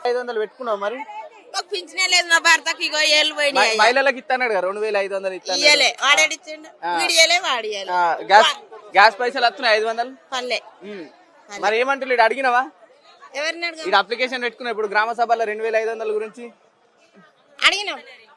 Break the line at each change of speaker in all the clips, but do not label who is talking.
500 పెట్టుకున్నావు మరి?
మాకు పింఛనే లేదు, నా భర్తకి ఇగో ఏళ్ళు పోయినాయి.
మహిళలకు ఇస్తాడు 2500
ఇయ్యలే, వాడేడిచ్చిండు, వీడియలే వాడియాలి.
గ్యాస్ పైసలు వస్తున్నాయి 500
పల్లె.
మరి ఏమంటున్నాడు అడిగినవా?
ఎవరిని
ఇక్కడ అప్లికేషన్ పెట్టుకున్నా ఇప్పుడు గ్రామ సభలో 2500 గురించి
అడిగినాం.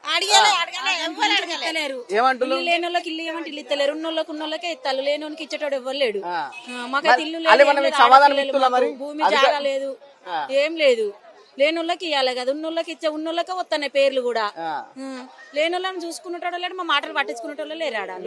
ఏమంటున్నారు? లేని వాళ్ళకి ఇల్లు ఏమంటే ఇల్లు ఇస్తలేరు, ఉన్నోళ్ళకి ఉన్నోళ్ళకే ఇస్తారు, లేని ఇచ్చేటోడు ఇవ్వరు లేడు. మాకైతే ఇల్లు లేదు, భూమి జాగా లేదు, ఏం లేదు. లేని వాళ్ళకి ఇవ్వాలి కదా, ఉన్నోళ్ళకి ఇచ్చే ఉన్నోళ్ళకే వస్తున్నాయి పేర్లు కూడా. లేని వాళ్ళని చూసుకునేటోడు లేడు, మా మాటలు పట్టించుకునేటోళ్ళు లేరాడా.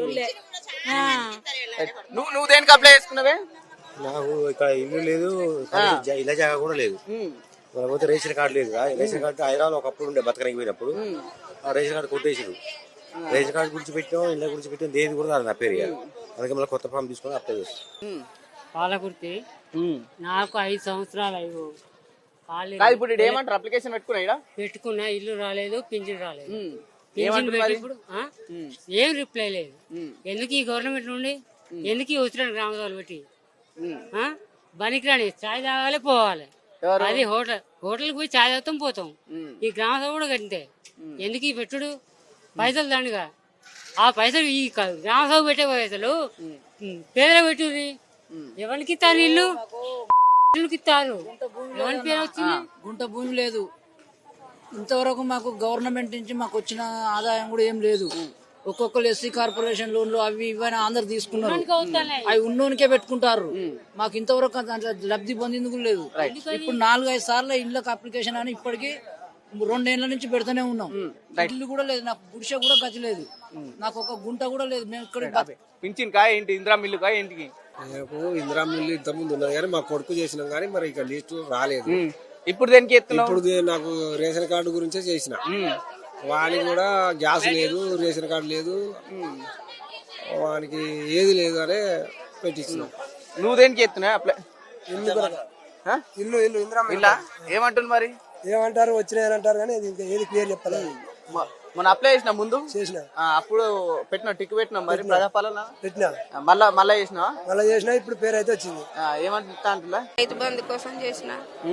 నువ్వు దేనికి అప్లై చేసుకున్నావే?
నాకు ఇక్కడ ఇల్లు లేదు, ఇళ్ళ జాగా కూడా లేదు. పోతే రేషన్ కార్డు లేదు. రేషన్ కార్డు హైదరాబాద్ ఒకప్పుడు ఉండే బతకడానికి పోయినప్పుడు రేషన్ కార్డు కొట్టేసారు. రేషన్ కార్డు గురించి పెట్టాం, ఇళ్ళ గురించి పెట్టాం, దేని కూడా నా పేరు. అందుకే మళ్ళీ కొత్త ఫామ్ తీసుకొని అప్లై చేస్తాం.
పాలకుర్తి నాకు 5 సంవత్సరాలు
ఇప్పుడు ఏమంటారు? అప్లికేషన్
పెట్టుకున్నా, ఇల్లు రాలేదు, పింఛన్ రాలేదు. పింఛన్ ఇప్పుడు ఏం రిప్లై లేదు. ఎందుకు ఈ గవర్నమెంట్ నుండి, ఎందుకు ఈ వచ్చిన గ్రామ సభలు పెట్టి బనికి రాని చాయ్ తాగాలి పోవాలి. అది హోటల్కి పోయి చాయ్ తాగుతాం పోతాం. ఈ గ్రామ సభ కూడా కంటే ఎందుకు ఈ పెట్టుడు పైసలు దండగా. ఆ పైసలు ఈ గ్రామ సభ పెట్టే పైసలు పేదలు పెట్టుది. ఎవరికి ఇస్తారు ఇల్లు? ఇస్తారు. ఎవరి పేరు వచ్చింది?
గుంట భూమి లేదు. ఇంతవరకు మాకు గవర్నమెంట్ నుంచి మాకు వచ్చిన ఆదాయం కూడా ఏం లేదు. ఒక్కొక్కరు ఎస్సీ కార్పొరేషన్ లోన్లు అవి ఇవన్నీ అందరు తీసుకున్నారు. అవి ఉన్నోనికే పెట్టుకుంటారు. మాకు ఇంతవరకు లబ్ధి పొందేందుకు లేదు. ఇప్పుడు 4-5 సార్లు ఇళ్ళకి అప్లికేషన్ అని ఇప్పటికీ 2 ఏళ్ల నుంచి పెడుతూనే ఉన్నాం. ఇల్లు కూడా లేదు, నాకు గుడిసె కూడా గతి లేదు, నాకు ఒక గుంట కూడా లేదు. మేము ఇక్కడ
పింఛన్ కాయ ఏంటి, ఇందిరా మిల్లు కాయ ఏంటికి?
ఇందిరా మిల్లు ఇంత ముందు ఉన్నది కానీ మా కొడుకు చేసినాం కానీ మరి ఇక లిస్టు రాలేదు.
ఇప్పుడు దేనికి
ఇప్పుడు నాకు రేషన్ కార్డు గురించే చేసిన. వానికి కూడా గ్యాస్ లేదు, రేషన్ కార్డు లేదు, వానికి ఏది లేదు అనే పెట్టించినాం.
నువ్వు దేనికి ఎత్తున్నా అప్లై?
ఇల్లు
ఇలా ఏమంటుంది మరి?
ఏమంటారు, వచ్చినాయని అంటారు కానీ ఏది క్లియర్ చెప్పలేదు.
మన అప్లై చేసిన ముందు
చేసిన
అప్పుడు పెట్టినా టిక్ పెట్టినా మరి ప్రజాపాలన
పెట్టినా
మళ్ళా చేసినా
ఇప్పుడు పేరు అయితే వచ్చింది.
ఏమంటా అంటున్నా?
రైతు బంధు కోసం చేసిన.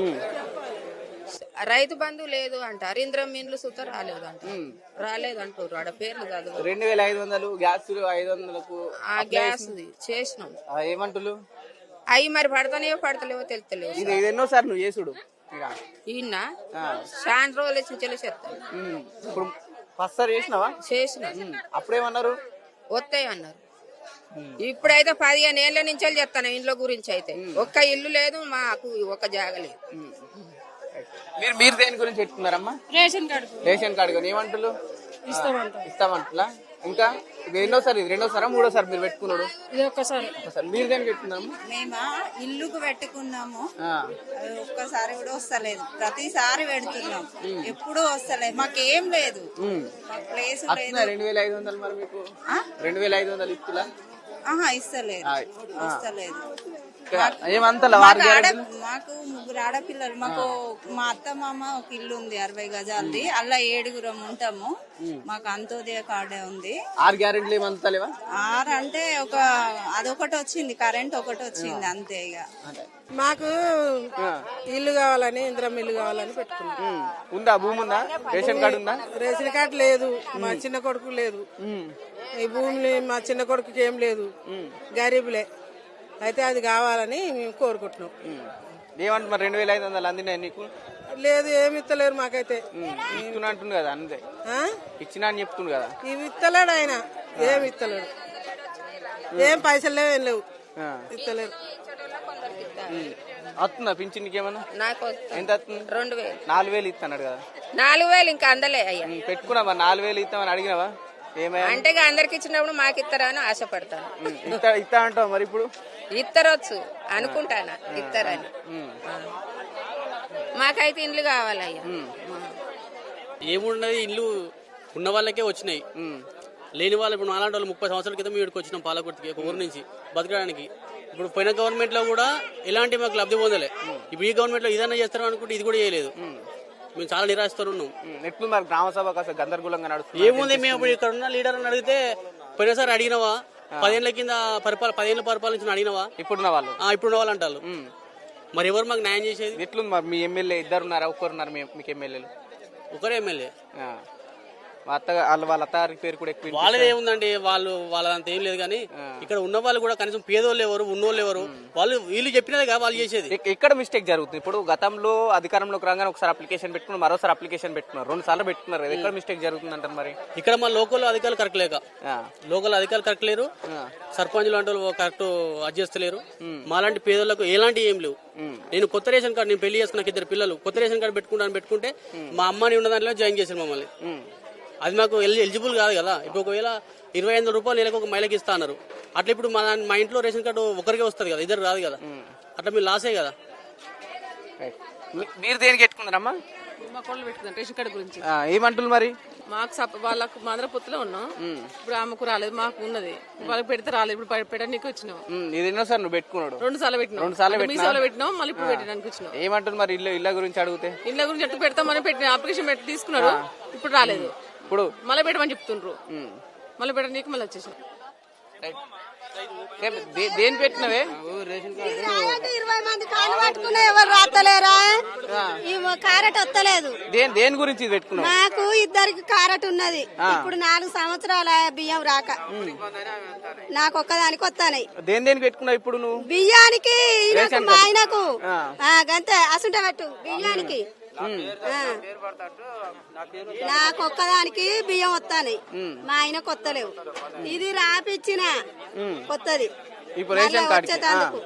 రైతు బంధు లేదు అంటారు, ఇంద్రం ఇండ్లు సుత రాలేదు అంటారు. రాలేదు అంటారు, ఆడ పేర్లు కాదు.
2500 గ్యాస్ 500
గ్యాస్ చేసినాం.
ఏమంటులు
అవి మరి పడతలేవో తెలుస్తలేవు.
ఇది ఎన్నోసారి నువ్వు చేసుడు?
ఈయన చాలా రోజులు చెప్తాను.
ఇప్పుడు ఫస్ట్ సార్ చేసినావా?
చేసిన.
అప్పుడేమన్నారు?
వస్తాయి అన్నారు. ఇప్పుడైతే 15 ఏళ్ల నుంచి చెప్తాను ఇంట్లో గురించి. అయితే ఒక్క ఇల్లు లేదు మాకు, ఒక జాగ లేదు.
మీరు దేని గురించి పెట్టుకున్నారమ్మా?
Ration card.
రేషన్ కార్డు కానీ ఏమంటారు? ఇస్తామంటలా. ఇంకా ఇది రెండోసారి 3ఓసారి మీరు పెట్టుకున్నాడు?
ఇది ఒక్కసారి.
మీరు దేనికి పెట్టుకున్నాము?
మేము ఇల్లుకు పెట్టుకున్నాము, ఒక్కసారి కూడా వస్తలేదు. ప్రతిసారి పెడుతున్నాం, ఎప్పుడు వస్తలేదు. మాకేం లేదు, ప్లేస్
2500. మరి మీకు 2500 ఇస్తులా?
ఇస్తలేదు, వస్తలేదు.
మాకు
3 ఆడపిల్లలు. మాకు మా అత్త మామ ఒక ఇల్లు ఉంది 60 గజాలది, అలా 7 ఉంటాము. మాకు అంత్యోదయ కార్డే ఉంది.
6 గ్యారెంటీలు ఏమంతలేవా?
6 అంటే అదొకటి వచ్చింది, కరెంట్ ఒకటి వచ్చింది అంతే. ఇక
మాకు ఇల్లు కావాలని, ఇంద్రం ఇల్లు కావాలని పెట్టుకున్నాం.
ఉందా భూమి? ఉందా? రేషన్ కార్డు ఉందా?
రేషన్ కార్డు లేదు, మా చిన్న కొడుకు లేదు. ఈ భూమి మా చిన్న కొడుకుకి ఏం లేదు, గరీబులే. అయితే అది కావాలని మేము కోరుకుంటున్నాం.
ఏమంటున్నారు? 2500 అందినాయి నీకు?
లేదు, ఏమి ఇస్తలేరు మాకైతే.
ఇస్తున్నా అంటుంది కదా, అంతే ఇచ్చినా అని చెప్తుంది కదా.
ఇవి ఇస్తలేడు ఆయన, ఏమి ఇస్తలేడు, ఏం పైసలు లేవు, ఏం లేవు, ఇస్తలేరు.
వస్తుందా పింఛన్కి ఏమన్నా?
నాకు
ఎంత వస్తుంది?
2000.
4000 ఇస్తాడు కదా.
4000 ఇంకా అందలే అయ్యా.
పెట్టుకున్నావా? 4000 ఇస్తామని అడిగినావా?
అంటే అందరికి ఇచ్చినప్పుడు మాకు ఇస్తారా అని ఆశపడతాను.
ఇస్తా అంటావు మరి? ఇప్పుడు
ఇస్తారొచ్చు అనుకుంటానా, ఇస్తారని. మాకైతే ఇండ్లు కావాలయ్యా.
ఏమున్నది, ఇల్లు ఉన్న వాళ్ళకే వచ్చినాయి, లేని వాళ్ళు ఇప్పుడు నాలాంటి వాళ్ళు 30 సంవత్సరాల క్రితం ఇక్కడికి వచ్చినాం పాలకుర్తికి, ఒక ఊరు నుంచి బతకడానికి. ఇప్పుడు పోయిన గవర్నమెంట్ లో కూడా ఎలాంటి మాకు లబ్ధి పొందలే. ఇప్పుడు ఈ గవర్నమెంట్ లో ఇదన్నా చేస్తారో అనుకుంటే ఇది కూడా చేయలేదు. మేము చాలా నిరాశతో ఉన్నాం.
ఎట్లు మరి గ్రామ సభ కాస్త గందరగోళంగా నడుస్తుంది?
ఏముంది, మేము ఇప్పుడు ఇక్కడ ఉన్న లీడర్ అని అడిగితే పోయినసారి అడిగినవా, 10 ఏళ్ల కింద 10 ఏళ్ళ పరిపాలించిన అడిగినవా?
ఇప్పుడున్న వాళ్ళు
అంటారు. మరి ఎవరు మాకు న్యాయం చేసేది?
ఎట్లుంది మరి మీ ఎమ్మెల్యే ఇద్దరున్నారా ఒక్కరున్నారు మీకు ఎమ్మెల్యేలు?
ఒకరే ఎమ్మెల్యే.
వాళ్ళ అత్తగారి పేరు కూడా ఎక్కువ
వాళ్ళది ఏముందండి, వాళ్ళదంతా ఏం లేదు కానీ ఇక్కడ ఉన్న వాళ్ళు కూడా కనీసం పేదోళ్ళు ఎవరు ఉన్నోళ్ళు ఎవరు వాళ్ళు వీళ్ళు చెప్పినదే కదా వాళ్ళు చేసేది.
ఎక్కడ మిస్టేక్ జరుగుతుంది? ఇప్పుడు గతంలో అధికారంలోకి రాగానే ఒకసారి అప్లికేషన్ పెట్టుకున్నారు, మరోసారి అప్లికేషన్ పెట్టుకున్నారు, 2 సార్లు పెట్టుకున్నారు. ఎక్కడ మిస్టేక్ జరుగుతుంది అంటారు మరి?
ఇక్కడ మా లోకల్ అధికారులు కరెక్ట్ లేక, లోకల్ అధికారులు కరెక్ట్ లేరు, సర్పంచ్ లాంటి వాళ్ళు కరెక్ట్ అడ్జస్తలేరు. మాలాంటి పేదోళ్ళకు ఎలాంటి ఏం లేవు. నేను కొత్త రేషన్ కార్డు, నేను పెళ్లి చేసుకున్న 2 పిల్లలు కొత్త రేషన్ కార్డు పెట్టుకుంటే మా అమ్మని ఉన్న దాంట్లో జాయిన్ చేశారు మమ్మల్ని. అది మాకు ఎలిజిబుల్ కాదు కదా. ఇప్పుడు ఒకవేళ 25,000 రూపాయలు నెలకు ఒక మహిళకి ఇస్తా అన్నారు. అట్లా ఇప్పుడు మా ఇంట్లో రేషన్ కార్డు ఒకరికే వస్తుంది కదా, ఇద్దరు రాదు కదా. అట్లా మీరు లాసే కదా.
మీరు దేనికి పెట్టుకున్నారమ్మా?
మా కోళ్ళు పెట్టుకున్నాం రేషన్ కార్డు గురించి.
ఏమంటున్నారు మరి?
మాకు వాళ్ళకు మాంద్ర పొత్తులో ఉన్నాం. ఇప్పుడు ఆమెకు రాలేదు, మాకు ఉన్నది. వాళ్ళకి పెడితే రాలేదు. ఇప్పుడు పెట్టడానికి వచ్చినాం.
ఇది ఎన్నోసారి నువ్వు పెట్టుకున్నాడు?
2 సార్లు పెట్టినాం.
2 సార్లు
మీ సార్లు పెట్టినాం, మళ్ళీ ఇప్పుడు పెట్టడానికి వచ్చినాం.
ఏమంటున్నారు మరి? ఇళ్ళ గురించి అడిగితే
ఇళ్ళ గురించి ఎట్లా పెడతామని పెట్టిన అప్లికేషన్ పెట్టి తీసుకున్నారు. ఇప్పుడు రాలేదు.
ఇప్పుడు
మళ్ళీ పెట్టమని చెప్తుండ్రు. మళ్ళీ పెట్టడానికి మళ్ళీ వచ్చేసాం.
దేని పెట్టినవే?
20 మంది కాలు పట్టుకున్నా ఎవరు రాత్తలేరా? కారెట్ వస్తలేదు.
దేని గురించి పెట్టుకున్నావు?
మాకు 2 కారెట్ ఉన్నది. ఇప్పుడు 4 సంవత్సరాల బియ్యం రాక నాకు ఒక్కదానికి వస్తాయి.
దేనికి పెట్టుకున్నావు ఇప్పుడు నువ్వు?
బియ్యానికి మా ఆయనకు గంతే అసుంట పెట్టు బియ్యానికి. నాకు ఒక్కదానికి బియ్యం వస్తాయి, మా ఆయన కొత్తలేవు. ఇది రాపిచ్చిన కొత్తది వచ్చేటందుకు.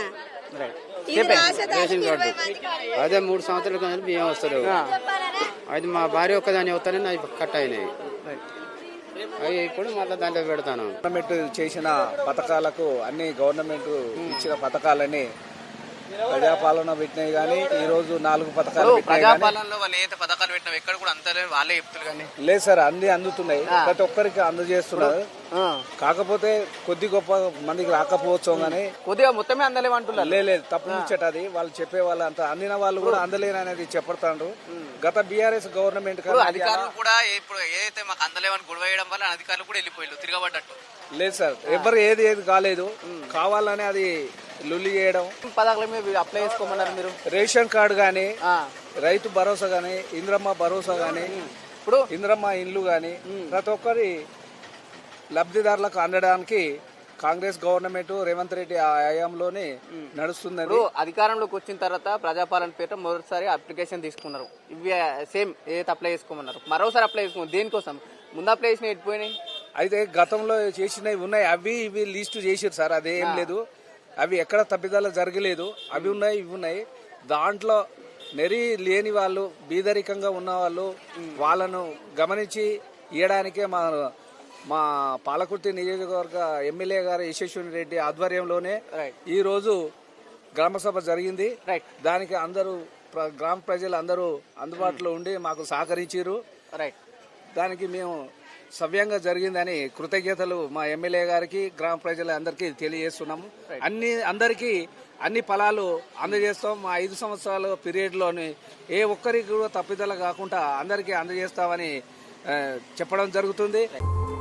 అదే 3 సంవత్సరాల కింద బియ్యం వస్తలేవు. అది మా భార్య ఒక్కదాని వస్తానని అవి కట్ అయినాయి. అవి ఇప్పుడు మళ్ళీ దాంట్లో పెడతాను.
గవర్నమెంట్ చేసిన పథకాలకు అన్ని గవర్నమెంట్ ఇచ్చిన పథకాలని ప్రజాపాలన పెట్టినాయి కానీ ఈ రోజు 4 పథకాలు
ప్రజాపాలనలో వాళ్ళు ఏ పథకాలు పెట్టినా ఎక్కడ కూడా అంతలే వాళ్ళే చెప్తారు కానీ
లేదు సార్. అన్ని అందుతున్నాయి, ప్రతి ఒక్కరికి అందజేస్తున్నారు. కాకపోతే కొద్ది గొప్ప మందికి రాకపోవచ్చు కానీ
కొద్దిగా మొత్తమే అందలేమంటున్నారు.
లేదు, తప్పు ముచ్చటది. వాళ్ళు చెప్పే వాళ్ళు అంత అందిన వాళ్ళు కూడా అందలేని అనేది చెప్పడతాండ్రు. గత బీఆర్ఎస్ గవర్నమెంట్
అధికారులు కూడా ఇప్పుడు ఏదైతే మాకు అందలేవని గొడవ వేయడం వల్ల అధికారులు కూడా వెళ్ళిపోయారు తిరగబడ్డట్టు.
లేదు సార్, ఎవరు ఏది కాలేదు, కావాలని అది లొల్లి చేయడం.
పథకాల మీద అప్లై చేసుకోమన్నారు మీరు?
రేషన్ కార్డు గానీ, రైతు భరోసా గానీ, ఇంద్రమ్మ భరోసా గానీ, ఇప్పుడు ఇంద్రమ్మ ఇండ్లు గానీ ప్రతి ఒక్కరి లబ్ధిదారులకు అందడానికి కాంగ్రెస్ గవర్నమెంట్ రేవంత్ రెడ్డి హయాంలోనే నడుస్తుంది.
అధికారంలోకి వచ్చిన తర్వాత ప్రజాపాలన పేట మొదటిసారి అప్లికేషన్ తీసుకున్నారు. ఇవి సేమ్ ఏదైతే అప్లై చేసుకోమన్నారు మరోసారి అప్లై చేసుకున్నారు. దేనికోసం? ముందు అప్లై చేసిన ఎట్టిపోయినాయి.
అయితే గతంలో చేసినవి ఉన్నాయి, అవి ఇవి లిస్టు చేసారు సార్. అదేం లేదు, అవి ఎక్కడ తప్పిదాలు జరగలేదు. అవి ఉన్నాయి, ఇవి ఉన్నాయి. దాంట్లో నెరి లేని వాళ్ళు, బీదరికంగా ఉన్న వాళ్ళు, వాళ్ళను గమనించి ఇవ్వడానికే మా పాలకుర్తి నియోజకవర్గ ఎమ్మెల్యే గారు యశస్విని రెడ్డి ఆధ్వర్యంలోనే ఈ రోజు గ్రామసభ జరిగింది. దానికి అందరూ గ్రామ ప్రజలు అందరూ అందుబాటులో ఉండి మాకు సహకరించారు. దానికి మేము సవ్యంగా జరిగిందని కృతజ్ఞతలు మా ఎమ్మెల్యే గారికి, గ్రామ ప్రజలందరికీ తెలియజేస్తున్నాము. అందరికీ అన్ని ఫలాలు అందజేస్తాం. మా 5 సంవత్సరాల పీరియడ్ లోని ఏ ఒక్కరికి కూడా తప్పిదల కాకుండా అందరికీ అందజేస్తామని చెప్పడం జరుగుతుంది.